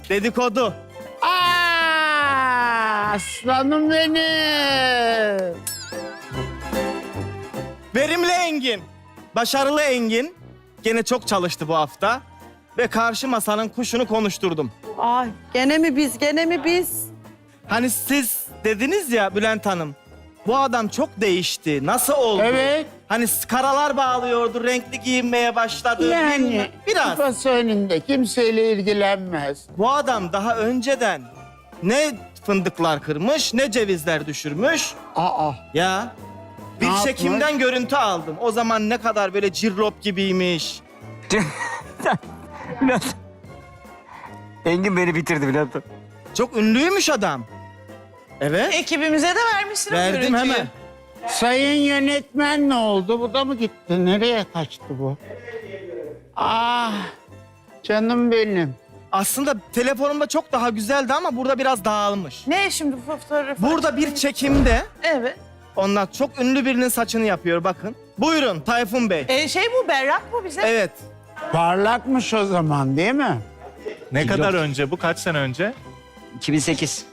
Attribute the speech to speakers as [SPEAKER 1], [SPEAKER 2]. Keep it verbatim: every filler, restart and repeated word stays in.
[SPEAKER 1] Dedikodu.
[SPEAKER 2] Aa, aslanım benim.
[SPEAKER 1] Verimli Engin. Başarılı Engin. Gene çok çalıştı bu hafta. Ve karşı masanın kuşunu konuşturdum.
[SPEAKER 3] Ay gene mi biz, gene mi biz?
[SPEAKER 1] Hani siz dediniz ya Bülent Hanım. Bu adam çok değişti. Nasıl oldu?
[SPEAKER 2] Evet.
[SPEAKER 1] Hani karalar bağlıyordu, renkli giyinmeye başladı.
[SPEAKER 2] Yani
[SPEAKER 1] Biraz.
[SPEAKER 2] kafası önünde kimseyle ilgilenmez.
[SPEAKER 1] Bu adam daha önceden ne fındıklar kırmış, ne cevizler düşürmüş.
[SPEAKER 2] Aa,
[SPEAKER 1] Ya bir
[SPEAKER 2] Ne
[SPEAKER 1] çekimden
[SPEAKER 2] yapmış?
[SPEAKER 1] görüntü aldım. O zaman ne kadar böyle cirlop gibiymiş.
[SPEAKER 4] Bülent. Engin beni bitirdi Bülent.
[SPEAKER 1] Çok ünlüymüş adam. Evet.
[SPEAKER 5] Ekibimize de vermişsin o
[SPEAKER 1] Verdim
[SPEAKER 5] görüntüyü.
[SPEAKER 1] hemen.
[SPEAKER 2] sayın yönetmen ne oldu? Bu da mı gitti? Nereye kaçtı bu? Ah, canım benim.
[SPEAKER 1] Aslında telefonumda çok daha güzeldi ama burada biraz dağılmış.
[SPEAKER 5] Ne şimdi bu fotoğrafı?
[SPEAKER 1] Burada bir çekimde
[SPEAKER 5] Evet.
[SPEAKER 1] onlar çok ünlü birinin saçını yapıyor bakın. Buyurun Tayfun Bey.
[SPEAKER 5] E, şey bu berrak bu bize.
[SPEAKER 1] Evet.
[SPEAKER 2] Parlakmış o zaman değil mi?
[SPEAKER 6] Ne kadar önce bu? Kaç sene önce?
[SPEAKER 4] iki bin sekiz.